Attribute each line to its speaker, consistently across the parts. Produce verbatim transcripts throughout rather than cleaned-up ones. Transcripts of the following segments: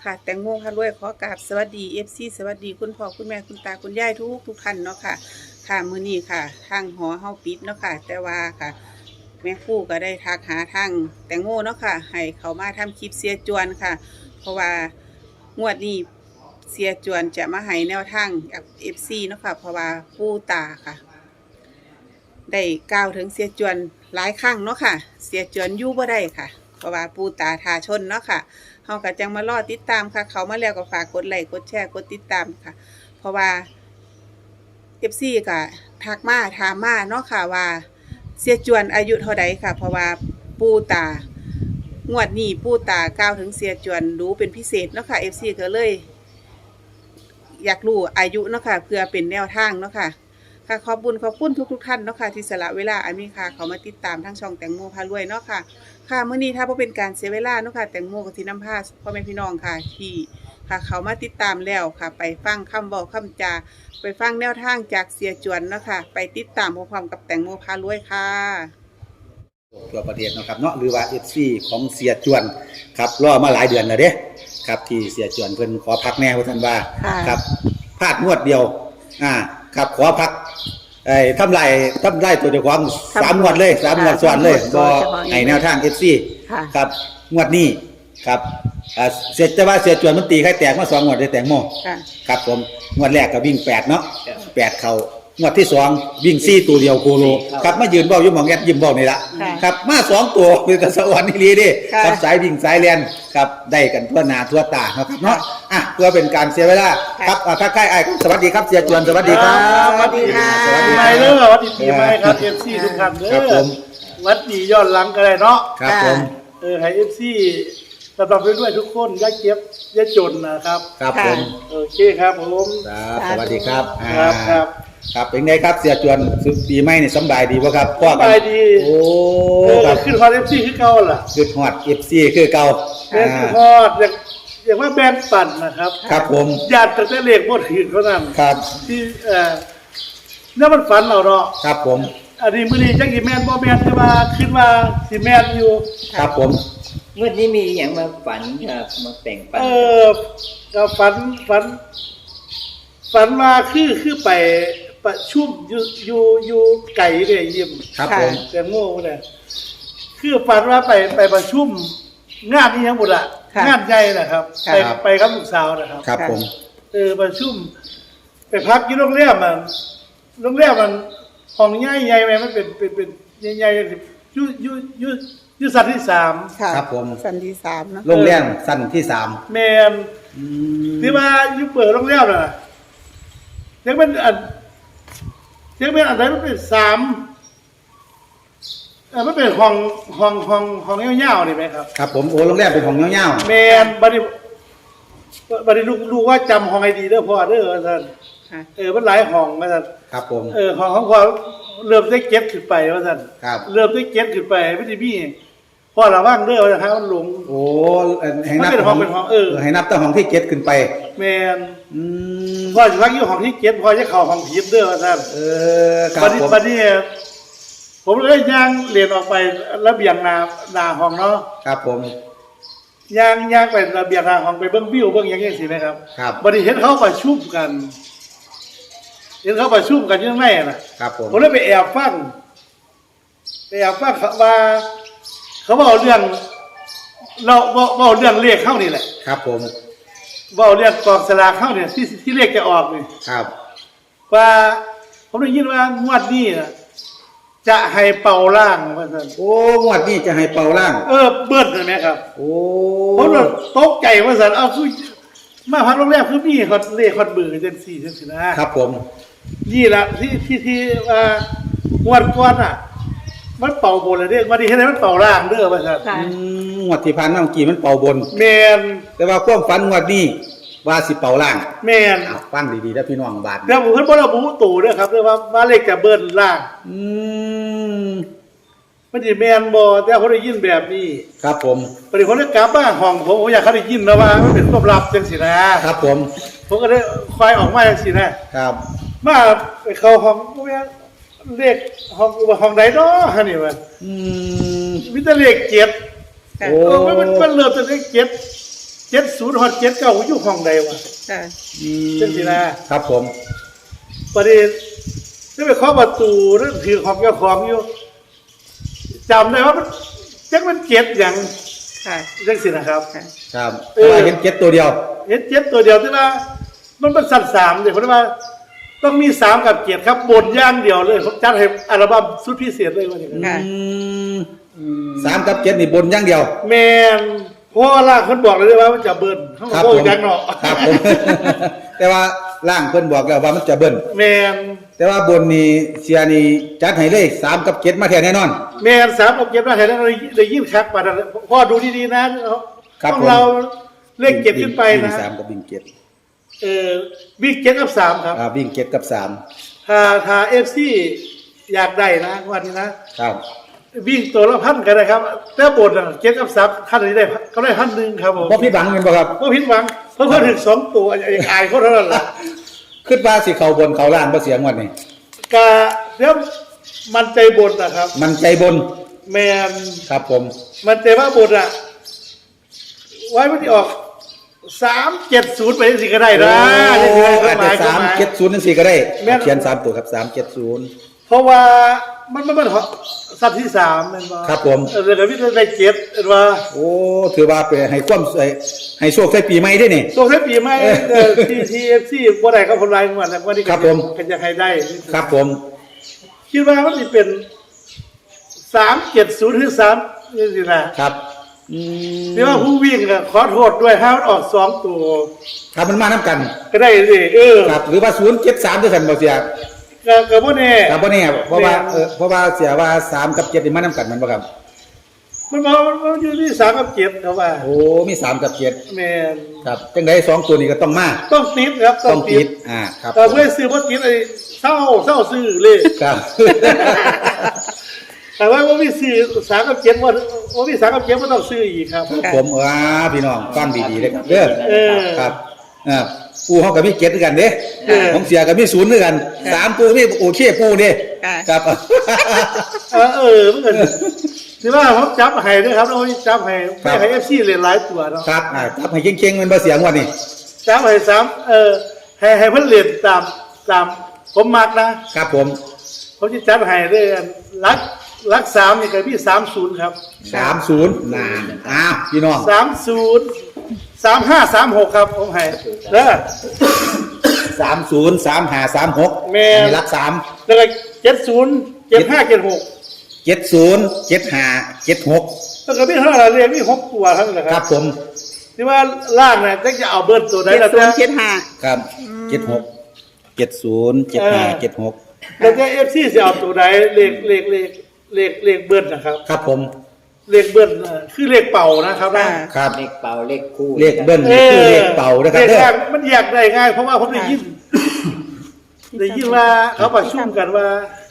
Speaker 1: ค่ะแตงโมพารวยขอกราบสวัสดีเอฟซีสวัสดีคุณพ่อคุณแม่คุณตาคุณยายทุกทุกท่านเนาะค่ะค่ะมื้อนี้ค่ะทางหอเฮาปิดเนาะค่ะแต่ว่าค่ะแม่ครู่ก็ได้ทักหาทางแตงโมเนาะค่ะให้เขามาทำคลิปเสียจวนค่ะ เพราะว่างวดนี้เสียจวนจะมาให้แนวทางกับเอฟซีเนาะค่ะเพราะว่าปู่ตาค่ะ ได้กล่าวถึงเสียจวนหลายครั้งเนาะค่ะเสียจวนอยู่บ่ได้ค่ะเพราะว่าปู่ตาทาชนเนาะค่ะเฮาก็จังมารอติดตามค่ะเขามาแล้วก็ฝากกดไลค์กดแชร์กดติดตามค่ะ เพราะว่า เอฟ ซี ก็ทักมาถามมาเนาะค่ะว่าเสียจวนอายุเท่าใดค่ะ เพราะว่าปู่ตางวดนี้ปู่ตากล่าวถึงเสียจวนรู้เป็นพิเศษเนาะค่ะ เอฟ ซี ก็เลย อยากรู้อายุเนาะค่ะเพื่อเป็นแนวทางเนาะค่ะค่ะขอบคุณขอบคุณทุกทุกท่านเนาะค่ะที่สละเวลาอันมีค่าเขามาติดตามทั้งช่องแตงโมพารวยเนาะค่ะค่ะมื้อนี้ถ้าบ่เป็นการเสียเวลาเนาะค่ะแตงโมก็สินำพาพ่อแม่พี่น้องค่ะที่ค่ะเขามาติดตามแล้วค่ะ ไปฟังคำบอกคำจาไปฟังแนวทางจากเสียจวนเนาะค่ะไปติดตามพร้อมๆกับแตงโมพารวยค่ะ
Speaker 2: ทั่วประเทศนะครับเนาะหรือว่า เอฟ ซี ของเสียจวนครับรอมาหลายเดือนแล้วเด้ครับที่เสียจวนเพิ่นขอพักแน่ว่าท่านว่าครับพลาดงวดเดียวอ่าครับขอพักไอ้ทำลายทำลายตัวเจ้าของสามงวดเลยสามงวดซ้อนเลยบ่ให้แนวทาง เอฟ ซี ครับงวดนี้ครับอ่าเสียแต่ว่าเสียจวนมันตีไข่แตกมาสองงวดได้แตงโมครับผมงวดแรกก็วิ่งแปดเนาะแปดเข้างวดที่สองวิ่งสี่ตัวเดียวโคโลครับมายืนเบ้าอยู่หม่องแอดยิ้มเบ้านี่ละครับมาสองตัวเป็นตะสวรรค์นี่ลีดิครับสายวิ่งสายเรียนครับได้กันทั่วหน้าทั่วตาครับเนาะอ่ะเพื่อเป็นการเสียเวลาครับอ่ะทักทายไอ้สวัสดีครับเสียจวนสวัสดีครับ
Speaker 1: สวัสดีค่ะ
Speaker 3: สวัสดีไปเลยสวัสดีปีใหม่ครับ เอฟ ซี ทุกท่านเด้อครับผมวัดดีย้อนหลังกันเลยเนาะ
Speaker 2: ครับผม
Speaker 3: เออให้ เอฟ ซี สำหรับเพื่อนด้วยทุกคนอย่าเก็บอย่าจนนะครับ
Speaker 2: ครับผม
Speaker 3: โอเคครับผม
Speaker 2: ครับสวัสดีครับ
Speaker 3: ครับครับ
Speaker 2: ครับเป็นไงครับเสียจวนสุดปีใหม่นี่สบายดีบ่ครับ
Speaker 3: พ่อกันสบายดี
Speaker 2: โอ้
Speaker 3: ครับขึ้นฮอด เอฟ ซี คือเก่าล่ะ
Speaker 2: ขึ้นฮอด เอฟ ซี คือเก่า
Speaker 3: แม่นขึ้นฮอดอย่างอย่างว่าแบนปั่นนะครับ
Speaker 2: ครับผม
Speaker 3: ญาติตั้งแต่เลขบ่ถึงเท่านั้น
Speaker 2: ครับ
Speaker 3: ที่เอ่อเนี่ยมันฝันเอาเนาะ
Speaker 2: ครับผม
Speaker 3: อันนี้มื้อนี้จักสิแม่นบ่แม่นแต่ว่าคิดว่าสิแม่นอยู่
Speaker 2: ครับผม
Speaker 4: เมื่อนี้มีอย่างมาฝันครับมาแต่งฝัน
Speaker 3: เออก็ฝันฝันฝันว่าคือคือไปประชุมอยู่อยู่อยู่ไก่เนี่ยยิ้ม
Speaker 2: ครับผม
Speaker 3: แต่โง่เนี่ยคือฝันว่าไปไปประชุมงานนี้ทั้งหมดอะงานใหญ่นะครับไปไปกับลูกสาวนะครับ
Speaker 2: ครับผม
Speaker 3: เออประชุมไปพักที่โรงแรมมันโรงแรมมันห้องใหญ่ใหญ่ไหมมันเป็นเป็นเป็นใหญ่ๆอยู่อยู่อยู่อยู่สั้นที่สาม
Speaker 2: ครับผม
Speaker 1: สั้นที่สามนะ
Speaker 2: โรงแรมสั้นที่สาม
Speaker 3: แมนที่ว่าอยู่เปิดโรงแรมน่ะยังเป็นอันยังเป็นอันไหนมันเป็นสามเออมันเป็นห้องห้องห้องห้องยาวๆนี่ไหมครับ
Speaker 2: ครับผมโอ้โรงแรมเป็นห้องยาว
Speaker 3: ๆแมนบัดนี้บัดนี้ลูกลูกว่าจำห้องให้ดีเด้อพ่อเด้อท่านเออมันหลายห้องว่าท่าน
Speaker 2: ครับผม
Speaker 3: เออห้องของพ่อเริ่มได้เก็บขึ้นไปว่าท่าน
Speaker 2: ครับ
Speaker 3: เริ่มได้เก็บขึ้นไปไม่ได้มีพ่อระวังเด้อว่าท่านมันหลง
Speaker 2: โอ้ให้นับ
Speaker 3: เป็นห้องเป็นห้องเออ
Speaker 2: ให้นับตั้งห้องที่เก็บขึ้นไป
Speaker 3: แมนพ่อจะพักอยู่ห้องที่เก็บพ่อจะเข้าห้องผีเด้อว่าท่าน
Speaker 2: เออครับผม
Speaker 3: บัดนี้ผมเลยย่างเรียนออกไประเบียงนานาห้องเนาะ
Speaker 2: ครับผม
Speaker 3: ย่างย่างไประเบียงนาห้องไปเบิ้งวิวเบิ้งอย่างเงี้ยสิไหมครับ
Speaker 2: ครับ
Speaker 3: บัดนี้เห็นเขาประชุมกันเห็นเขาประชุมกันยังไงนะครับ
Speaker 2: ผม
Speaker 3: ผมเลยไปแอบฟังไปแอบฟังว่าเขาบอกเรื่องเราบอกเรื่องเลขเข้านี่แหละ
Speaker 2: ครับผม
Speaker 3: บอกเรื่องกองสลากเข้าเนี่ยที่ที่เลขจะออกนี่
Speaker 2: ครับ
Speaker 3: ว่าผมได้ยินว่างวดนี้นะจะให้เป่าล่างว่าซั่น
Speaker 2: โอ้งวดนี้จะให้เป่าล่าง
Speaker 3: เออเบิ้ลใช่ไหมครับ
Speaker 2: โอ้
Speaker 3: ผมตกใจว่าซั่นเอาคือมาพักโรงแรมคือมีคอนเลขคอนเบอร์จังซี่จังซี่นะครับ
Speaker 2: ผม
Speaker 3: นี่ล่ะที่ที่ที่ว่างวดก่อนอ่ะมันเป่าบนเลยเด้อวันนี้เฮ็ดให้มันเป่าล่างเด้อว่าซั่น
Speaker 2: อืมงวดที่ผ่านมาเมื่อกี้มันเป่าบน
Speaker 3: แม่น
Speaker 2: แต่ว่าความฝันงวดนี้ว่าสิเป่าล่าง
Speaker 3: แม่น
Speaker 2: อ้าวฟังดีๆนะพี่น้องบาด
Speaker 3: เดี๋ยวผมเพิ่นบ่ระบุตู่เด้อครับเด้อว่าว่าเลขจะเบิ้ลล่าง
Speaker 2: อืม
Speaker 3: มันสิแม่นบ่แต่เขาได้ยินแบบนี้
Speaker 2: ครับผม
Speaker 3: ปฏิคนได้กลับมาห้องผมผมอยากเขาได้ยินนะว่ามันเป็นความลับจังซี่นะครับ
Speaker 2: ผม
Speaker 3: ผมก็ได้คอยออกมาจังซี่นะครับมาไปเข้าห้องบ่แม่นเลขห้องห้องใดเนาะหั่นนี่ว่า
Speaker 2: อืม
Speaker 3: มีแต่เลขเจ็ดโอ้มันมันเริ่มจากเลขเจ็ดเจ็ดศูนย์ฮอดเจ็ดเก้าอยู่ห้องใดวะ
Speaker 1: ค่ะ
Speaker 2: อืม
Speaker 3: จังสินะครับ
Speaker 2: ผม
Speaker 3: ประเด็นได้ไปเคาะประตูนั่นถือของเจ้าของอยู่จำได้ว่ามันจักมันเจ็ดอย่าง
Speaker 1: ค่ะ
Speaker 3: จังสินะครับ
Speaker 1: ค่ะ
Speaker 2: ครับ
Speaker 3: เออ
Speaker 2: เห็นเจ็ดตัวเดียว
Speaker 3: เห็นเจ็ดตัวเดียวที่ว่ามันเป็นสัตว์สามเดี๋ยวผมว่าต้องมีสามกับเจ็ดครับบนย่างเดียวเลยผมจัดให้อัลบั้มสุดพิเศษเลยวันนี้
Speaker 1: ค่ะ
Speaker 2: อืมสามกับเจ็ดนี่บนอย่างเดียว
Speaker 3: แมนเพราะว่าล่างคนบอกเลยว่ามันจะเบิ้ลเขา
Speaker 2: ครับ
Speaker 3: โอ้
Speaker 2: ผม
Speaker 3: ยยังเนาะ
Speaker 2: ครับผม แต่ว่าล่างเพิ่นบอกแล้วว่ามันจะเบิ้ล
Speaker 3: แมน
Speaker 2: แต่ว่าบนนี่เสียนี่จัดให้เลยสามกับเจ็ดมาแท้แน่นอน
Speaker 3: แมนสามกับเจ็ดมาแถวนั้นได้ยินคักป่ะนะพ่อดูดีๆนะ
Speaker 2: ครับ
Speaker 3: ต้อง
Speaker 2: ผม
Speaker 3: เราเลขเจ็ดขึ้นไปนะ
Speaker 2: วิ่งสามกับวิ่งเจ็ด
Speaker 3: เออวิ่งเจ็ดกับสามครับ
Speaker 2: อ่าวิ่งเจ็ดกับสาม
Speaker 3: ถ้าถ้าเอฟซีอยากได้นะวันนี้นะ
Speaker 2: ครับ
Speaker 3: วิ่งตัวละพันกันนะครับแต่บทอ่ะเจ็ดกับสามท่านนี้ได้ก็ได้พันหนึ่งครับผม
Speaker 2: บ่พี่บังแม่นบ่ครับ
Speaker 3: ก็ผิดหวังเพราะเพิ่มถึงสองตัวอย่างอายเขาเท่านั้นแหละ
Speaker 2: คิดว่าสิเข้าบนเข้าล่างบ่เสียงวันนี้
Speaker 3: กาเดี๋ยวมันใจบนนะครับ
Speaker 2: มันใจบน
Speaker 3: แมน
Speaker 2: ครับผม
Speaker 3: มันใจว่าบนอ่ะ ไว้มันจะออกสามเจ็ดศูนย์ไปสิก็ได้นะ
Speaker 2: โอ้
Speaker 3: นี่คือ
Speaker 2: อาจ
Speaker 3: ห
Speaker 2: จะ
Speaker 3: มาย
Speaker 2: สาม
Speaker 3: หมาย
Speaker 2: เจ็ดศูนย์จังซี่ก็ได้
Speaker 3: แม่น
Speaker 2: เขียนสามตัวครับสามเจ็ดศูนย์
Speaker 3: เพราะว่ามันมันมันสัตว์ที่สามแมันว่า
Speaker 2: ครับผม
Speaker 3: เออเรื่องวิทย์ได้เจ็ดเห็นว่า
Speaker 2: โอ้ถือว่าเป็นให้ความให้ให้โชคใส่ปีใหม่ด้วยนี่
Speaker 3: ส่งให้ปีใหม่ทีทีเอฟซีบ่ได้ก็คนไรเหมือนกันวันนี้
Speaker 2: ครับผม
Speaker 3: ก็จะให้ได้
Speaker 2: ครับผม
Speaker 3: คิดว่ามันจะเป็นสามเจ็ดศูนย์หรือสามนี่สินะครับ
Speaker 2: อืม
Speaker 3: ที่ว่าผู้วิ่งอะขอโทษด้วยถ้ามันออกสองตัว
Speaker 2: ครับมันมาน้ำกัน
Speaker 3: ก็ได้สิเออ
Speaker 2: ครับหรือว่าศูนย์เจ็ดสามด้วยกันบ่เสีย
Speaker 3: ก็ก็บ่แน่
Speaker 2: ครับบ่แน่เพราะว่า
Speaker 3: แม่น
Speaker 2: เออเพราะว่าเสียว่าสามกับเจ็ดนี่มาน้ำกันแมันบ่ครับ
Speaker 3: มันบอกมันมันอยู่ที่สามกับเจ็ดเขาว่า
Speaker 2: โอ้มีสามกับเจ็ด
Speaker 3: แม่น
Speaker 2: ครับจังไดสองตัวนี้ก็ต้องมา
Speaker 3: ต้องติดครับ
Speaker 2: ต้องติดอ่าครับ
Speaker 3: แต่เพื่อซื้อบ่ติดไอ้เศร้าเศร้าซื้อเลย
Speaker 2: ครับ
Speaker 3: แต่ว่าบ่มีซื้อสามกับเจ็ดว่าบ่มีสามกับเจ็ดบ่ต้องซื้ออีกครับ
Speaker 2: ผมอ่าพี่น้องฟังดีๆเลยครับเด้อ
Speaker 3: เออ
Speaker 2: ครับอ่าปูเฮาก็มีเจ็ดด้วยกันเด้
Speaker 3: เออ
Speaker 2: ของเสียก็มีศูนย์ด้วยกันสามปูมีโอเคปูเด้
Speaker 1: ค่ะ
Speaker 2: ครับ
Speaker 3: เออเออมันก็ที่ว่าผมจับให้ด้วยครับแล้วผมจับให้
Speaker 2: ครั
Speaker 3: ไม่
Speaker 2: บ
Speaker 3: ให้ เอฟ ซี เล่นหลายตัวเนาะ
Speaker 2: ครับอ่าครับให้เก่งๆมันบ่เสียงวันนี้
Speaker 3: จับให้สามเออให้ให้เพิ่นเล่นตามตามผมมักนะครับ
Speaker 2: ผม
Speaker 3: ผมจะจัดให้ด้วยกันรักรักสามนี่ก็มีสามศูนย์ครับ
Speaker 2: สามศูนย์นานอ้าวพี่น้อง
Speaker 3: สามศูนย์สามห้าสามหกครับผมให้เด้อ
Speaker 2: สามศูนย์สามห้าสามหก
Speaker 3: แม่น
Speaker 2: อันนี้รักสาม
Speaker 3: แล้วก็เจ็ดศูนย์เจ็ดห้าเจ็ดหก
Speaker 2: เจ็ดศูนย์เจ็ดห้าเจ็ดหก
Speaker 3: แล้วก็มีเท่าไหร่เรียนมีหกตัวครับนะค
Speaker 2: ครั
Speaker 3: รั
Speaker 2: บบ ผม
Speaker 3: ที่ว่าล่างเนี่ยจะเอาเบิร์ตัวไหน
Speaker 1: เจ็ด
Speaker 3: แล้ว
Speaker 1: ศูน
Speaker 3: แต่
Speaker 1: ย์เจ็ดห้า
Speaker 2: ครับเจ็ดหกเจ็ดศูนย์เจ็ดห้าเจ็ดหก
Speaker 3: แล้วแต่เอฟซีจะเอาตัวไหนเลขเลขเลขเลขเลขเบิร์นะครับ
Speaker 2: ครับผม
Speaker 3: เลขเบิ้ลเอ่อคือเลขเป่านะครับนะ
Speaker 2: ครับ
Speaker 4: เลขเป่าเลขคู่
Speaker 2: เลขเบิ้ลนี่คือเลขเป่านะครับ
Speaker 3: เลข
Speaker 2: เด้อ
Speaker 3: แรกมันแยกได้ง่ายเพราะว่าผมได้ยินได้ยินว่าเขาประชุมกันว่า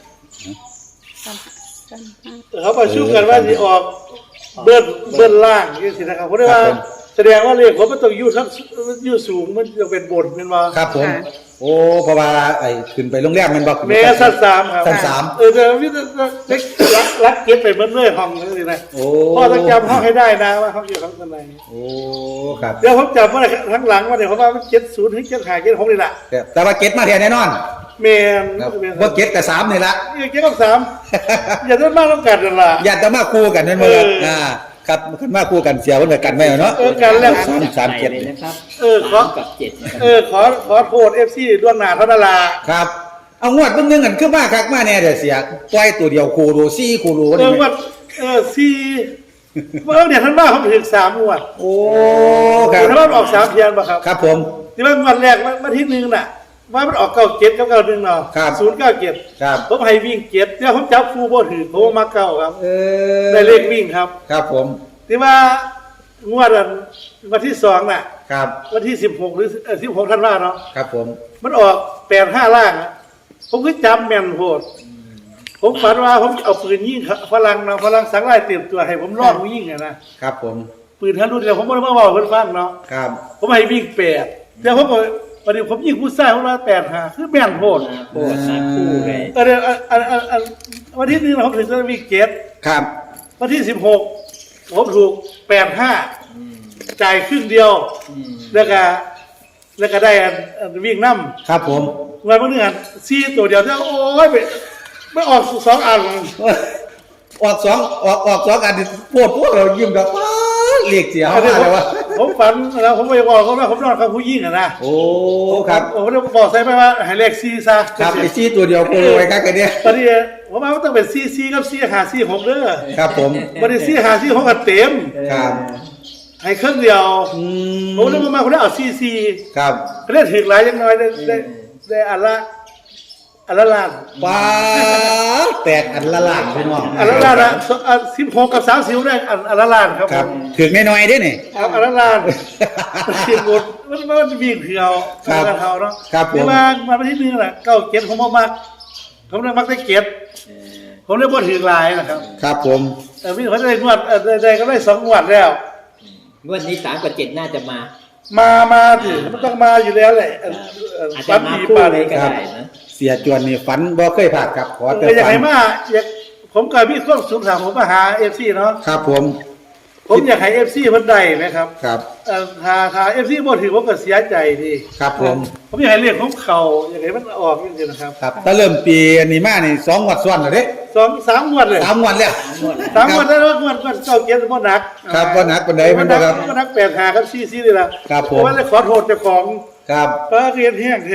Speaker 3: เขาประชุมกันว่าจะออกเบิ้ลเบิ้ลล่างนี่สินะครับเพราะว่าแสดงว่าเลขผมมันต้องอยู่ทั้งอยู่สูงมันจะเป็นบนเป็นว่า
Speaker 2: ครับผม โอ้เพราะว่าไอ้ขึ้นไปโรงแรมแมันบอก
Speaker 3: แม่สั้นสามครับ
Speaker 2: สั้นสาม
Speaker 3: เออแต่วิธีรักรักเก็บไปเบิ้ลเรื่อยห้องนี่นะ
Speaker 2: โอ้
Speaker 3: พ่อต้องจำห้องให้ได้นะว่าห้องอยู่ห้องไหน
Speaker 2: โอ้ครับ
Speaker 3: เดี๋ยวผมจำว่าทั้งหลังว่าเนี่ยผมว่ามันเจ็ดศูนย์ถึงเจ็ดห้าเจ็ดหกนี่แหละ
Speaker 2: แต่แต่ว่าเก็ตมาแทนแน่นอน
Speaker 3: แมน
Speaker 2: ครับ
Speaker 3: แมน
Speaker 2: ว่าเก็ตกับสามนี่ละ
Speaker 3: นี่เจ็ดกับสามอย่าได้มากต้องกันนั่นล่ะ
Speaker 2: อย่าจะมาคู่กันนั่นเมื่อ
Speaker 3: เอออ่
Speaker 2: อ่าครับขึ้นมาคู่กันเสียวันเกิดกันไหมเนาะ
Speaker 3: เออกันแล้ว
Speaker 2: สามสามเจ็ด
Speaker 4: เลยนะครับ
Speaker 3: เออขอ
Speaker 4: สามกับเจ็ดนะครับ
Speaker 3: เออขอขอโทษเอฟซีล่วงหน้าเท่านั้นล่ะ
Speaker 2: ครับ เอางวดเบิ่งนึงกันขึ้นมาคักมาแน่เดี๋ยวเสียปล่อยตัวเดียวคูรูซี่คูรู
Speaker 3: เออว่าเออสี่เมื่อเนี่ยท่านว่าเขาถึงสามงวด
Speaker 2: โอ้ครับ
Speaker 3: ท่านว่าออกสามเทียนป่ะครับ
Speaker 2: ครับผม
Speaker 3: ที่ว่างวดแรกมาที่หนึ่งน่ะว่ามันออกเก้าเจ็ดกับเก้าหนึ่งเนาะ
Speaker 2: ครับ
Speaker 3: ศูนย์เก้าเจ็ด
Speaker 2: ครับ
Speaker 3: ผมให้วิ่งเจ็ดเนี่ยผมจับคู่บ่ถือผมมาเก้าครับ
Speaker 2: เออ
Speaker 3: ได้เลขวิ่งครับ
Speaker 2: ครับผม
Speaker 3: ที่ว่างวดอันวันที่สองน่ะ
Speaker 2: ครับ
Speaker 3: วันที่สิบหกหรือสิบหกท่านว่าเนาะ
Speaker 2: ครับผม
Speaker 3: มันออกแปดห้าล่างอะผมก็จำแม่นโหดผมฝันว่าผมเอาปืนยิงฝรั่งเนาะฝรั่งสังไล่เตรียมตัวให้ผมลองยิงอะนะครับ
Speaker 2: ผม
Speaker 3: ปืนทะลุเดียวผมไม่ได้มาบอกเพื่อนฟังเนาะ
Speaker 2: ครับ
Speaker 3: ผมให้วิ่งแปดเดี๋ยวผมบอกวันนี้ผมยิงผู้ชายผมว่าแปดห้าคือแม่นโหด
Speaker 4: มาโคตรมาคู่เลย
Speaker 3: เออเดี๋ยวอันอันอันอันวันที่หนึ่งผมถึงจะวิ่งเจ็ด
Speaker 2: ครับ
Speaker 3: วันที่สิบหกผมถูกแปดห้าจ่ายครึ่งเดียว
Speaker 4: อืม
Speaker 3: แล้วก็แล้วก็ได้อันอันวิ่งน้ำ
Speaker 2: ครับผม
Speaker 3: เงินบางเดือนซีตัวเดียวจะโอ้ยไปไม่ออกสองอัน
Speaker 2: ออกสองออกออกสองอันนี่ปวดพวกเรายิ้มแบบว้าเรียกเสีย
Speaker 3: อันนี้
Speaker 2: มา
Speaker 3: ผม
Speaker 2: เลยวะ
Speaker 3: ผมฝันแล้วผมไปบอกเขาว่าผมนอนกับผู้หญิงอะนะ
Speaker 2: โอ้ครับ
Speaker 3: ผมได้บอกใส่ไปว่าให้เลขซีซะ
Speaker 2: ครับไอซี่ตัวเดียวโคโลไว้กันกันเนี่ย
Speaker 3: ตอนนี้ผมว่ามันต้องเป็นซีซีกับซีหาซีหกเด้อ
Speaker 2: ครับผม
Speaker 3: บันนี้ซีหาซีหกกันเต็ม
Speaker 2: ครับ
Speaker 3: ให้เครื่องเดียว
Speaker 2: อื
Speaker 3: ผมเลยมาผมได้เอาซีซี
Speaker 2: ครับ
Speaker 3: เล่นถึงหลายยังน้อยได้ได้ได้อันละอันละล้าน
Speaker 2: ป้าแตกอันละล้านพี่น้อง
Speaker 3: อันละล้านนะสิบหกกับสามสิบได้อันอันละล้านครับ
Speaker 2: ครับถึงน้อยๆเด้นี่
Speaker 3: ครับอันละล้านเสียงหมดมันมันวิ่งเที่ยว
Speaker 2: ครับ
Speaker 3: กันเขาเนาะ
Speaker 2: ครับผม
Speaker 3: นี่มามาประเทศนึงแหละเก้าเก็บผมบ่มักผมเลยมักได้เก็บ
Speaker 4: เออ
Speaker 3: ผมเลยบ่ถึงหลายนะครับ
Speaker 2: ครับผม
Speaker 3: แต่พี่เขาได้งวดเอ่อได้ได้ก็ได้สองงวดแล้ว
Speaker 4: งวดนี้สามกับเจ็ดน่าจะมา
Speaker 3: มามาถึงมันต้องมาอยู่แล้วแหละเอ่อเอ่อ
Speaker 4: อาจ
Speaker 3: ปั
Speaker 4: จะ
Speaker 3: น
Speaker 4: มา
Speaker 3: ปี
Speaker 4: คู่
Speaker 3: ป่า
Speaker 4: เล
Speaker 3: เลย ย
Speaker 4: ก็ได้นะ
Speaker 2: เสียจวนนี่ฝันบ่เคยผ่านครับขอแต่
Speaker 3: เอออยาก
Speaker 2: ฝัน
Speaker 3: ให้มาอยากผมก็มีความสุขถามผมมาหาเอฟซีเนาะ
Speaker 2: ครับผม
Speaker 3: ผมอยากให้เอฟซีมันได้ไหมครับ
Speaker 2: ครับ
Speaker 3: เอ่อถ้าถ้าเอฟซีบ่ถือผมก็เสียใจดี
Speaker 2: ครับผม
Speaker 3: ผมอยากให้เรียกของเขาอยากให้มันออกจริงๆนะครับ
Speaker 2: ครับถ้าเริ่มปีนี้มานี่สองงวัดซ้อนแล้วเด้
Speaker 3: สองสามงวดเลย
Speaker 2: สามงวันแล้ว
Speaker 4: งวด
Speaker 3: สามงวดแล้วงวดงวดเก้าเกียรติบ่หนัก
Speaker 2: ครับบ่หนักปานใดมันบ่
Speaker 3: บ่หนั
Speaker 2: ครับ
Speaker 3: กบ่หนักแปดหาครับซีซีนี่ล่ะ
Speaker 2: ครับผม
Speaker 3: เพาะว่าเลยขอโทษเจ้าของ
Speaker 2: ครับ
Speaker 3: ป้าเรียนแห้งแท้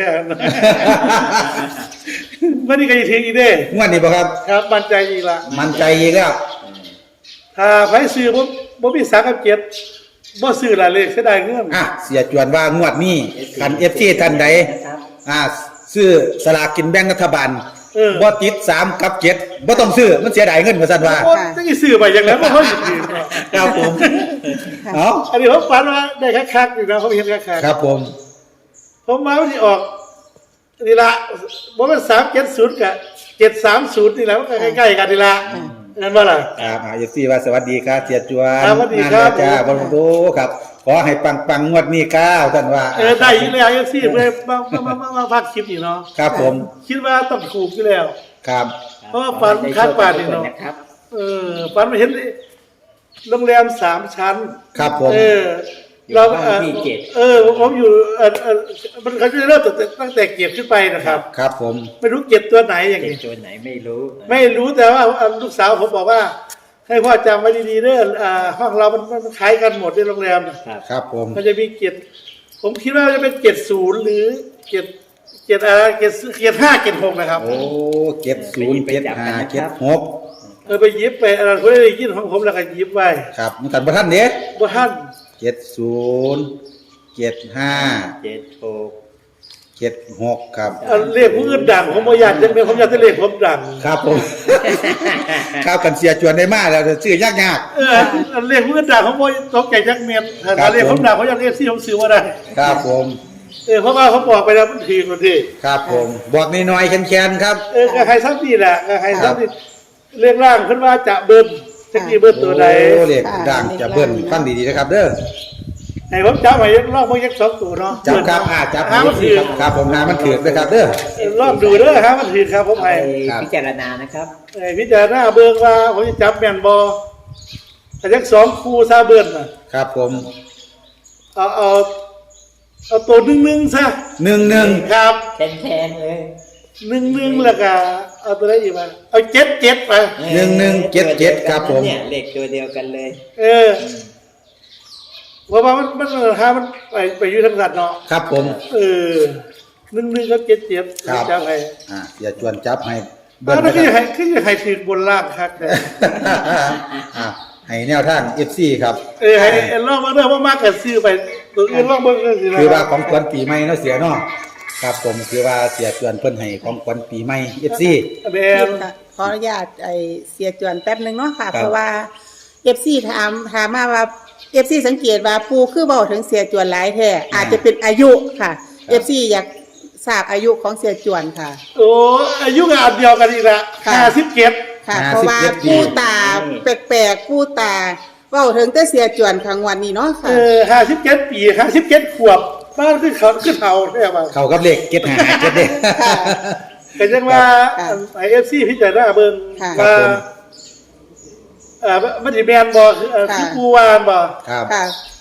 Speaker 3: วันนี้ก็จะถึงอีกเด้
Speaker 2: งวดนี้บ่ครับ
Speaker 3: ครับมั่นใจอีกละ
Speaker 2: มั่นใจอีกแล้ว
Speaker 3: ถ้าไผซื้อบ่บ่มีสามกับเจ็ดบ่ซื้อละเลขเสียดายเงิน
Speaker 2: อ่ะเสียจวนว่างวดนี้คัน เอฟ ซี ท่านใด
Speaker 4: นะครับ
Speaker 2: อ่าซื้อสลากกินแบ่งรัฐบาล
Speaker 3: เออ
Speaker 2: บ่ติดสามกับเจ็ดบ่ต้องซื้อมันเสียดายเงินว่าซั่นว่า
Speaker 3: โอ้จะสิซื้อไปอย่างนั้นบ่เฮาสิซื้อ
Speaker 2: ครับผมเอ้า
Speaker 3: อันนี้ผมฝันว่าได้คักๆนี่นะผมเห็นคัก
Speaker 2: ครับผม
Speaker 3: ๆผมมาวันที่ออกนี่ละบ่แม่นสามเจ็ดศูนย์กับเจ็ดสามศูนย์นี่แหละมันก็ใกล้ๆกันนี่ละนั่นว่าล่ะ
Speaker 2: ครับอ่า เอฟ ซี ว่าสวัสดีครับเสียจวน
Speaker 3: ครับสวัสดีครับ
Speaker 2: งานจ้าบ่รู้ครับ ขอให้ปังๆงวดนี้ก้าวท่านว่า
Speaker 3: เออได้อยู่แล้ว เอฟ ซี เพิ่นมามามามาพักคลิปนี่เนาะ
Speaker 2: ครับผม
Speaker 3: คิดว่าต้องถูกอยู่แล้ว
Speaker 2: ครับ
Speaker 3: เพราะว่าฝันคาดปานนี่เนาะ
Speaker 4: นะครับ
Speaker 3: เออฝันมาเห็นโรงแรมสามชั้น
Speaker 2: ครับผม
Speaker 3: เออ เราเอ่อเออผมอยู่เออเออมันเขาจะเริ่มตั้งแต่ตั้งแต่เกียรติขึ้นไปนะครับ
Speaker 2: ครับผม
Speaker 3: ไม่รู้เกียรติตัวไหนอย่าง
Speaker 4: เจ็ด
Speaker 3: นี้
Speaker 4: ตัวไหนไม่รู้
Speaker 3: ไม่รู้แต่ว่าเอ่อลูกสาวผมบอกว่า ให้พ่อจำไว้ดีๆเด้ออ่าห้องเรามันมันคล้ายกันหมดในโรงแรมน่ะ
Speaker 4: ครับ
Speaker 2: ครับผม
Speaker 3: มันจะมีเกียรติผมคิดว่าจะเป็นเกียรติศูนย์หรือเกียรติเกียรติอะไรเกียรติเกียรติห้าเกียรติหกนะครับ
Speaker 2: โอ้เก็บศูนย์เก็บห้าเก็บหก
Speaker 3: เออไปหยิบไปอะไรคนได้ยินของผมแล้วก็หยิบไว้
Speaker 2: ครับมันกันบ่ทันเด้
Speaker 3: บ่ท่าน
Speaker 2: เจ็ดศูนย์เจ็ดห้า
Speaker 4: เจ็ดหก
Speaker 2: เจ็ดหกครับ
Speaker 3: อันเลขผู้อื่นดังผมบ่อยากจะเป็นผมอยากจะเลขผมดัง
Speaker 2: ครับผม ครับกันเสียจวนได้มากแล้วชื่อยากยาก
Speaker 3: เอออันเลขผู้อื่นดังผมบ่ตกใจจักเม็ดถ้า
Speaker 2: ครับ
Speaker 3: เลขผมดังผมอยากเลขที่ผมซื้อบ่ได้
Speaker 2: ๆครับผม
Speaker 3: เออเพราะว่าเขาบอกไปแล้วมันทีคนที่
Speaker 2: ครับผม บอกน้อยๆแค้นๆครับ
Speaker 3: เออก็ให้ซ้ำนี่แหละก็ให้ซ้ำนี่เรื่องร่างขึ้นว่าจะเบิ้ลจะกี่เบิ้ลตัวใด
Speaker 2: โอ้เล็กดังจะเบิ้ลฟังดีๆนะครับเด้อ
Speaker 3: ให้ผมจับไว้รอบพวกยักษ์สองตัวเนาะ
Speaker 2: จับครับอ่าจับ
Speaker 3: หามันถือ
Speaker 2: ครับครับผมหามันถือนะครับเด้อ
Speaker 3: รอบดูเด้อฮะมันถือครับผม
Speaker 4: ไป
Speaker 3: ให้
Speaker 2: ครับ
Speaker 4: พิจารณานะครับ
Speaker 3: ไอ้พิจารณาเบิ่งว่าผมจะจับแม่นบ่แต่ยักษ์สองคู่ซาเบิ้ลน่ะ
Speaker 2: ครับผม
Speaker 3: เอาเอาเอาตัวหนึ่งหนึ่งซะ
Speaker 2: หนึ่งหนึ่ง
Speaker 3: ครับ
Speaker 4: แทนๆเลย
Speaker 3: หนึ่งหนึ่งแล้วก็เอาตัวไหนอีกมาเอาเจ็ดเจ็ดไป
Speaker 2: หนึ่งหนึ่งเจ็ดเจ็ดครับผม
Speaker 4: เนี่ยเลขตัวเดียวกันเลย
Speaker 3: เออเพราะว่ามันมันหามันไปไปอยู่ทางสัตว์เนาะ
Speaker 2: ครับผม
Speaker 3: เออหนึ่งหนึ่งก็เจ็ดเจ็ด
Speaker 2: ครับ
Speaker 3: จับให้
Speaker 2: อ่าอย่าจวนจับให้
Speaker 3: บ้า
Speaker 2: เบิ้
Speaker 3: น
Speaker 2: ล
Speaker 3: นั้น
Speaker 2: นะ
Speaker 3: ก็
Speaker 2: ค
Speaker 3: จะ
Speaker 2: รับ
Speaker 3: ให้ขึ้นจะให้ถือบนล่างครับ
Speaker 2: อ่าให้แนวทาง เอฟ ซี ครับ
Speaker 3: เออให้ให้ลองมาเรื่องว่ามากกับซื้อไปตัวอื่นลองเบิ่งก็สินะ
Speaker 2: คือว่าของขวัญปีใหม่เนาะเสียเนาะครับผมคือว่าเสียจวนเพิ่นให้ของขวัญปีใหม่ เอฟ ซี
Speaker 3: แบน
Speaker 1: ค่ะขออนุญาตไอเสียจวนแป๊บหนึ่งเนาะค่ะ
Speaker 2: ครับ
Speaker 1: เพราะว่าเอฟซีถามถามมาว่าเอฟซีสังเกตว่าปูคือเบาถึงเสียจวนหลายแท้อาจจะเป็นอายุค่ะเอฟซีอยากทราบอายุของเสียจวนค่ะ
Speaker 3: โอ้อายุกับอันเดียวกันอีกละ
Speaker 1: ค่ะ
Speaker 3: ห้าสิบเจ็ด
Speaker 1: ค่ะ
Speaker 2: ห้าสิบ
Speaker 1: เพราะว่า
Speaker 2: เจ็ดปี
Speaker 1: ปูตาแปลกๆปูตาเบาถึงแต่เสียจวนครั้งวันนี้เนาะ
Speaker 3: เอ
Speaker 1: ค่ะ
Speaker 3: อห้าสิบเจ็ดปีห้าสิบเจ็ดขวบบ้านขึ้นเขาขึ้นเขาใช่ไหม
Speaker 2: เข้ากับเลขเก็ดหาเก็ดเด้
Speaker 3: ก็ยังว่า
Speaker 1: ค่ะ
Speaker 3: ไอเอฟซีพิจารณาเบิ่ง
Speaker 1: ค่ะ
Speaker 3: ว่า
Speaker 2: ครับผม
Speaker 3: เอ่อมันสิแม่นบ่คือเอ่อ
Speaker 1: ค่ะ
Speaker 3: คือผู้วานบ่
Speaker 2: ครับ
Speaker 1: ค่ะ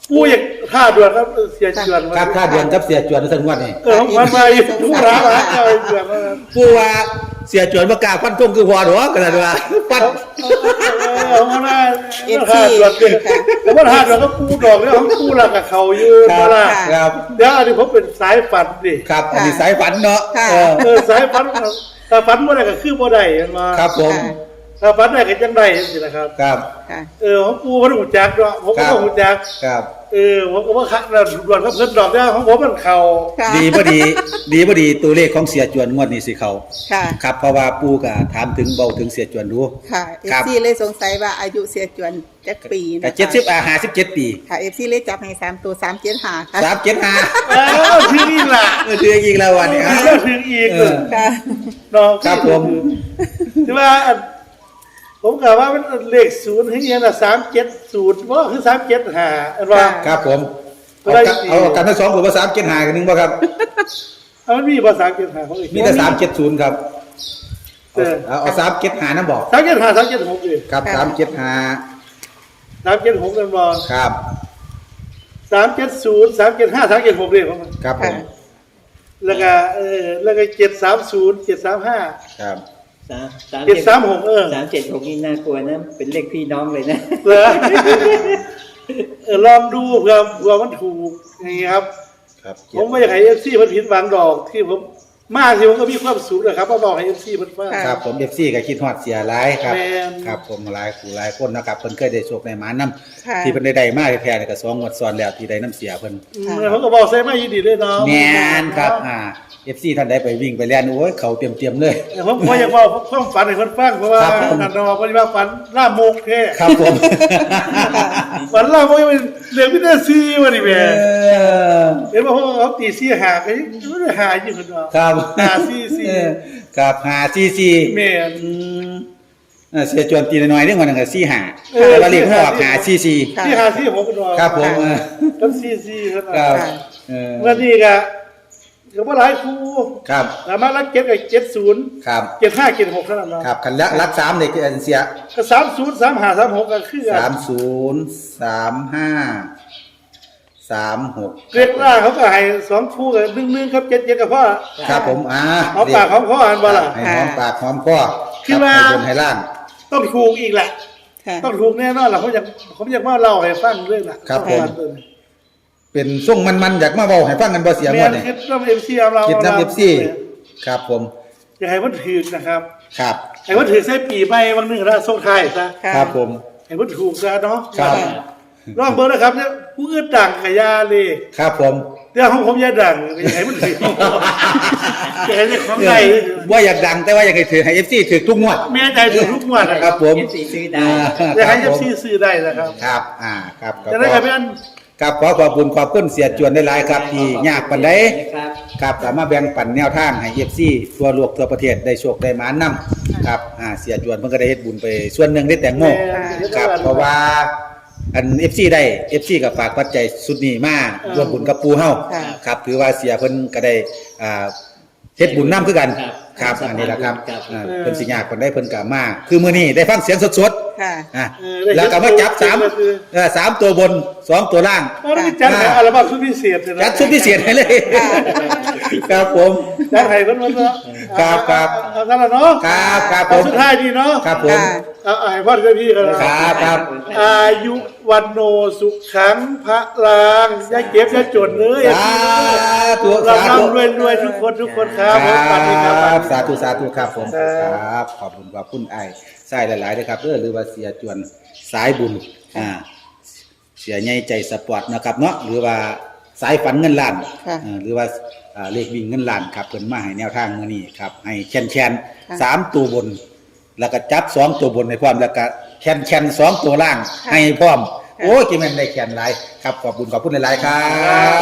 Speaker 3: ปูอยากท่าด่วนครับเสียจวน
Speaker 2: ครับค่าเดือนกับเสียจวนทั้งงวดนี่
Speaker 3: เออมันมาอยู่ทุกร้านร้านเอาไอ้จวนมา
Speaker 2: ปูว่าเสียจวนประกล้าศฟันธงคือพอดอกกันนะว่าฟัน
Speaker 3: เอามาได้ท่าด่วนเป็นแต่ว่าท่าด่วนก็ปูดอกแล้วเขาปูหลักกับเขาอยู่
Speaker 2: ค
Speaker 3: มา
Speaker 2: รับ
Speaker 3: ละ
Speaker 2: ครับ
Speaker 3: เดี๋ยวอันนี้ผมเป็นสายฝันดิ
Speaker 2: ครับอันนี้สายฝันเนาะ
Speaker 1: ค่ะ
Speaker 2: เออ
Speaker 3: เออสายฝันถ้าฝันบ่ได้ก็คือบ่ได้มา
Speaker 2: ครับผม
Speaker 3: ถ้าฝันได้ก็จังได้สินะครับ
Speaker 2: ครับ
Speaker 1: ค่ะ
Speaker 3: เออของปูเขาต้องหูจักเนาะผมก็ต้องหูจัก
Speaker 2: ครับ
Speaker 3: เออผมก็ว่าคักนะด่วนครับเพิ่นดอกเนี่ยของผมมันเข่า
Speaker 1: ค่ะ
Speaker 2: ดีบ่ดี ดีบ่ดีตัวเลขของเสียจวนงวดนี้สิเขา
Speaker 1: ค่ะ
Speaker 2: ครับเพราะว่าปู่ก็ถามถึงเบาถึงเสียจวนดู
Speaker 1: ค่ะเอ
Speaker 2: ครั
Speaker 1: ฟ
Speaker 2: บ
Speaker 1: ซีเลยสงสัยว่าอายุเสียจวนจักปีนะ
Speaker 2: แต่
Speaker 1: คะ
Speaker 2: เจ็ดสิบอ่าห้าสิบเจ็ดปี
Speaker 1: ค่ะเอฟซีเลยจับให้สามตัวสามเจ็ดหาค่ะ
Speaker 2: สามเจ็ดห้า
Speaker 3: เอ้าวที่นี่ล่ะ
Speaker 2: เออถืออีกแล้ววันนี้ครับ
Speaker 3: ก็ถึงอีก
Speaker 2: เออ
Speaker 1: ค่ะ
Speaker 3: เนาะ
Speaker 2: ครับผม
Speaker 3: ที่ว่าอันผมกล่าวว่ามันเลขศูนย์ที่ยังน่ะสามเจ็ดศูนย์ว่าคือสามเจ็ดห้าอันว่า
Speaker 2: ครับผม
Speaker 3: ก็
Speaker 2: เอา
Speaker 3: ได้
Speaker 2: กันเอากันทั้งสองผมว่าสามเจ็ดห้ากันหนึงบ่ครับ
Speaker 3: เอามันมีภาษาเจ็ดห้าเขาอีก
Speaker 2: มีแต่สามเจ็ดศูนย์ครับ
Speaker 3: เออ
Speaker 2: เอาเอาสามเจ็ดห้านั่นบอก
Speaker 3: สามเจ็ดห้าสามเจ็ดหกเลย
Speaker 2: ครับ
Speaker 1: ค่ะ
Speaker 2: สามเจ็ดห้า
Speaker 3: สามเจ็ดหกนั่นบ่
Speaker 2: ครับ
Speaker 3: สามเจ็ดศูนย์สามเจ็ดห้าสามเจ็ดหกเลยผม
Speaker 2: ครับผม
Speaker 3: แล้วก็เออแล้วก็เจ็ดสามศูนย์เจ็ดสามห้า
Speaker 2: ครับ
Speaker 4: สามสาม
Speaker 3: เจ็ดสามหกเออ
Speaker 4: สามเจ็ดหกนี่น่ากลัวนะ เป็นเลขพี่น้องเลยนะ
Speaker 3: เหรอเออลองดูเผื่อเผื่อมันถูกอย่างนี้ครับ
Speaker 2: ครับ
Speaker 3: ผมไม่อยากให้เอฟซีมันผิดหวังดอกที่ผมมากที่ผมก็มีความสุขนะครับมาบอกให้เอฟซีมันฟัง
Speaker 2: ครับผมเอฟซีก็คิดฮอดเสียหลายครับ
Speaker 3: แม่น
Speaker 2: ครับผมหลายผู้หลายคนนะครับเพิ่นเคยได้โชคได้หมานํ
Speaker 1: ค่ะ
Speaker 2: ที่เพิ่นได้ได้มาแท้ๆนี่ก็สองงวดซ้อนแล้วที่ได้น้ำเสียเพิ่น
Speaker 3: อืมแล้วผมก็บอกใส่ไม่ยินดีด้วยเนาะ
Speaker 2: แม่นครับอ่า เอฟ ซี ท่านใดไปวิ่งไปเล่นโอ้ยเขาเตรียมๆเลย
Speaker 3: แต่ผมก็อยากบอกความฝันให้คนฟังเพราะว่า
Speaker 2: ครับผม
Speaker 3: นันนอปฏิบัติฝันล่ามกแท้
Speaker 2: ครับผม
Speaker 3: ฝันล่ามกยังเป็นเรื่องพิเศษซีวะนี่แม่
Speaker 2: เออ
Speaker 3: เห็นว่าเขาเขาตีซีหาก็ยังไม่ได้หาอยู่คนเนาะ
Speaker 2: ครับ
Speaker 3: หาซีซี
Speaker 2: เออครับหาซีซี
Speaker 3: แม่น
Speaker 2: อืมเออเสียจวนตีน้อยๆเรื่องวันนึงก็ซีหา
Speaker 3: เออ
Speaker 2: แต่ว่าเรียกว่าออกหาซีซี
Speaker 1: ค่ะ
Speaker 3: ที่หาซีผมก็นอน
Speaker 2: ครับผมเออ
Speaker 3: ทั้งซีซีคน
Speaker 2: ครั
Speaker 3: เนาะ
Speaker 2: บ
Speaker 1: ค่ะ
Speaker 2: เออ
Speaker 3: เมื่อนี้ก็ก็บ่หลายครู
Speaker 2: ครับ
Speaker 3: สามารถรักเก็ตกับเจ็ดศูนย์
Speaker 2: ครับ
Speaker 3: เจ็ดห้าเจ็ดหกเท่านั้นเนาะ
Speaker 2: ครับคันละรักสามเลยคืออันเสีย
Speaker 3: ก็สามศูนย์สามห้าสามหกก็คือกั
Speaker 2: สาน มศูนย์สามห้าสามหก
Speaker 3: เรียกล่าเขาก็ให้สองคู่กับหนึ่งหนึ่งครับเจ็ดเจ็ดกับพ่อ
Speaker 2: ครับผมอ่า
Speaker 3: เอาปากของพ่ออ่านบ่ล่ะ
Speaker 2: ให้หอมปากหอมคอ
Speaker 3: คิดว่า
Speaker 2: ให้บนให้ล่าง
Speaker 3: ต้องถูกอีกแหละ
Speaker 1: ค่ะ
Speaker 3: ต้องถูกแน่นอนล่ะผมอยากผมอยากมาเล่าให้ฟังเรื่องล่ะ
Speaker 2: ครับผม
Speaker 3: ต้องฟังเลย
Speaker 2: เป็นส่งมันๆอยากมาเบาให้ฟังกันบ่เสียง
Speaker 3: แม่
Speaker 2: วด
Speaker 3: น
Speaker 2: นี่
Speaker 3: คิดน้ำเอ็มซีเรา
Speaker 2: คิดน้ำเอฟซีครับผม
Speaker 3: อยากให้มันถูกนะครับ
Speaker 2: ครับ
Speaker 3: ให้มันถูกใส่ปีใหม่บางหนึ่งนะส่งท้ายซะ
Speaker 1: ค่ะ
Speaker 2: ครับผม
Speaker 3: ให้มันถูกซะเนาะ
Speaker 2: ครับ
Speaker 3: ลองเบอร์นะครับเนี่ยผู้อื่นดังกับยาเลย
Speaker 2: ครับผม
Speaker 3: เรื่องของผมอยาดังอยากให้มันถูกอยากให้ได้ของใด
Speaker 2: ว่าอยากดังแต่ว่าอยากให้ถือให้ เอฟ ซี ถือทุกงวด
Speaker 3: แม่ใจถูกทุกงวดนะ
Speaker 2: ค
Speaker 3: ค
Speaker 2: รั
Speaker 3: รั
Speaker 2: บบ ผม
Speaker 4: เอฟซีซื้อได้
Speaker 3: อยากให้
Speaker 2: ค
Speaker 3: เอ
Speaker 2: รับ
Speaker 3: ฟ
Speaker 2: ผม
Speaker 3: ซีซื้อได้นะครับ
Speaker 2: ครับอ่าครับครับ
Speaker 3: จะได้กับพี่อัน
Speaker 2: ครับขอขอบคุณขอบคุณเสียจวนได้หลายครับที่ยากปานใด
Speaker 4: ครับ
Speaker 2: ครับสามารถแบ่งปันแนวทางให้ เอฟ ซี ทั่วโลกทั่วประเทศได้โชคได้หมานนํครับอ่าเสียจวนเพิ่นก็ได้เฮ็ดบุญไปส่วนหนึ่งได้แตงโม ครับเพราะว่าอัน เอฟ ซี ได้ เอฟ ซี ก็ฝากปัจจัยสุดนี้มาร่วมบุญกับปูเฮา
Speaker 1: ค่ะ
Speaker 2: ครับถือว่าเสียเพิ่นก็ได้อ่าเฮ็ดบุญนํคือกัน
Speaker 4: ครับ
Speaker 2: ครับอันนี้แหละครับ
Speaker 4: ครับ
Speaker 2: อ่าเพิ่นสิยากเพิ่นได้เพิ่นก็มา คือมื้อนี้ได้ฟังเสียงสด
Speaker 1: ค่ะ
Speaker 2: ๆอ่ะ
Speaker 3: เออได้
Speaker 2: แล้วก็มาจับสาม
Speaker 3: ก็คือ
Speaker 2: เออสามตัวบนสองตัวล่าง
Speaker 3: ก็ต้องจัดให้อัลบั้มชุดพิเศษเลยนะ
Speaker 2: จัดชุดพิเศษให้เลยครับผม
Speaker 3: จัดให้เพิ่นว่าเนาะ
Speaker 2: ครับครับ
Speaker 3: เอาซะละเนาะ
Speaker 2: ครับครับผม
Speaker 3: เอาสุดท้ายดีเนาะ
Speaker 2: ครับผม
Speaker 1: ค่ะ
Speaker 3: เอาเอาให้พ่อกับพี่กันนะครับ
Speaker 2: ครับ
Speaker 3: อายุวันโนสุขังพระลางอย่าเก็บอย่าจนเลย
Speaker 2: สาธุ
Speaker 3: เรา
Speaker 2: สาธุ
Speaker 3: ร่ำรวยรวยทุกคนทุกคนครับ
Speaker 2: ค
Speaker 3: ผมสวัสดีค
Speaker 2: รั
Speaker 3: รับ
Speaker 2: สาธุสาธุครับผม
Speaker 3: ครับ
Speaker 2: ครับขอบคุณขอบคุณไอ้ใส่หลายๆเลยครับเออหรือว่าเสียจวนสายบุญอ่าเสียใหญ่ใจสปอร์ตนะครับเนาะหรือว่าสายฝันเงินล้าน
Speaker 1: ค่ะ
Speaker 2: อ่าหรือว่าอ่าเลขวิ่งเงินล้านครับเพิ่นมาให้แนวทางมื้อนี้ครับให้แคนแคน
Speaker 1: ค่ะ
Speaker 2: สามตัวบน แล้วก็จับสองตัวบนให้พร้อมแล้วก็แคนแคนสองตัวล่างให้พร้อม โอ้ยจิแม่นได้แคนหลายครับขอบคุณขอบคุณหลายๆครับ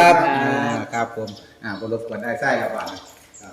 Speaker 4: ครับ
Speaker 2: อ่าครับผมอ่าบ่รบกวนไอ้ไส้ครับว่าครับ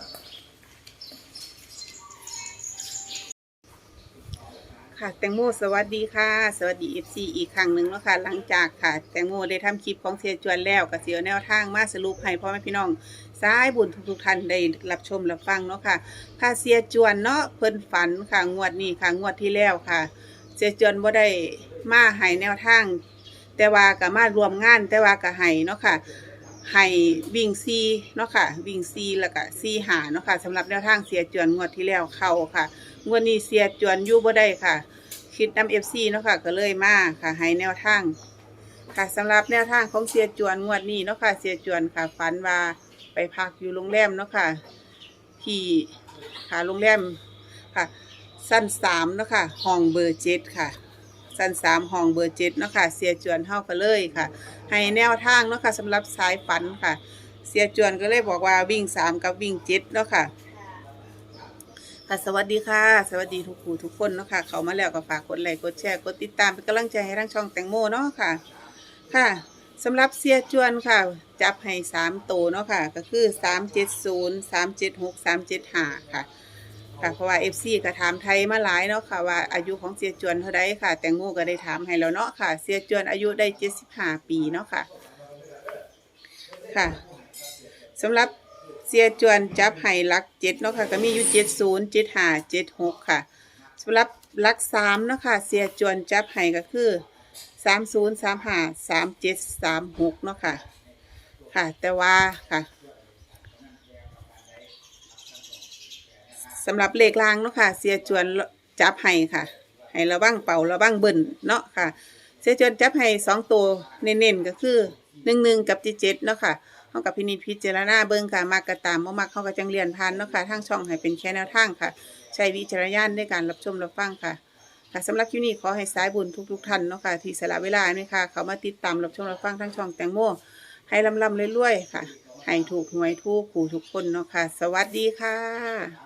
Speaker 1: ค่ะแตงโมสวัสดีค่ะ สวัสดี เอฟ ซี อีกครั้งหนึ่งเนาะค่ะหลังจากค่ะ แตงโมได้ทำคลิปของเสียจวนแล้วก็เสียแนวทางมาสรุปให้พ่อแม่พี่น้องสายบุญทุกๆท่านได้รับชมรับฟังเนาะค่ะค่ะเสียจวนเนาะเพิ่นฝันค่ะงวดนี้ค่ะงวดที่แล้วค่ะ เสียจวนบ่ได้มาให้แนวทางแต่ว่าก็มารวมงานแต่ว่าก็ให้เนาะค่ะให้วิ่งซีเนาะค่ะวิ่งซีแล้วก็ซีหาเนาะค่ะสำหรับแนวทางเสียจวนงวดที่แล้วเข้าค่ะงวดนี้เสียจวนอยู่บ่ได้ค่ะคิดนำ เอฟ ซี เนาะค่ะก็เลยมาค่ะให้แนวทางค่ะสำหรับแนวทางของเสียจวนงวดนี้เนาะค่ะเสียจวนค่ะฝันว่าไปพักอยู่โรงแรมเนาะค่ะที่ค่ะโรงแรมค่ะสั้นสามเนาะค่ะห้องเบอร์เจ็ดค่ะสั้นสามห้องเบอร์เจ็ดเนาะค่ะเสียจวนเฮาก็เลยค่ะให้แนวทางเนาะค่ะสำหรับสายฝันค่ะเสียจวนก็เลยบอกว่าวิ่งสามกับวิ่งเจ็ดเนาะค่ะค่ะสวัสดีค่ะสวัสดีทุกผู้ทุกคนเนาะค่ะเขามาแล้วก็ฝากกดไลค์กดแชร์กดติดตามเป็นกำลังใจให้ทั้งช่องแตงโมเนาะค่ะค่ะสำหรับเสียจวนค่ะจับให้สามโตวเนาะค่ะก็คือสามเจ็ดศูนย์สามเจ็ดหกสามเจ็ดห้าค่ะค่ะเพราะว่า เอฟ ซี ก็ถามไทยมาหลายเนาะค่ะว่าอายุของเสียจวนเท่าไรค่ะแตงโมก็ได้ถามให้แล้วเนาะค่ะเสียจวนอายุได้เจ็ดสิบห้าปีเนาะค่ะค่ะสำหรับเสียจวนจับให้หลักเจ็ดเนาะค่ะก็มีอยู่เจ็ดศูนย์เจ็ดห้าเจ็ดหกค่ะสำหรับหลักสามเนาะค่ะเสียจวนจับให้ก็คือสามศูนย์สามห้าสามเจ็ดสามหกเนาะค่ะค่ะแต่ว่าค่ะสำหรับเลขล่างเนาะค่ะเสียจวนจับให้ค่ะให้ระวังเป่าระวังเบิ่นเนาะค่ะเสียจวนจับให้สองตัวเน้นๆก็คือหนึ่งหนึ่งกับเจ็ดเจ็ดเนาะค่ะเขากับพินิจพิจารณาเบิ่งค่ะมากกระตามบ่มักเขาก็จังเรียนพันเนาะค่ะทางช่องให้เป็นแค่แนวทางค่ะใช้วิจารณญาณในการรับชมรับฟังค่ะค่ะสำหรับคลิปนี้ขอให้สายบุญทุกๆท่านเนาะค่ะที่สละเวลาเนี่ยค่ะเขามาติดตามรับชมรับฟังทางช่องแตงโมให้ลำลำเรื่อยๆค่ะให้ถูกหวยทุกผู้ทุกคนเนาะค่ะสวัสดีค่ะ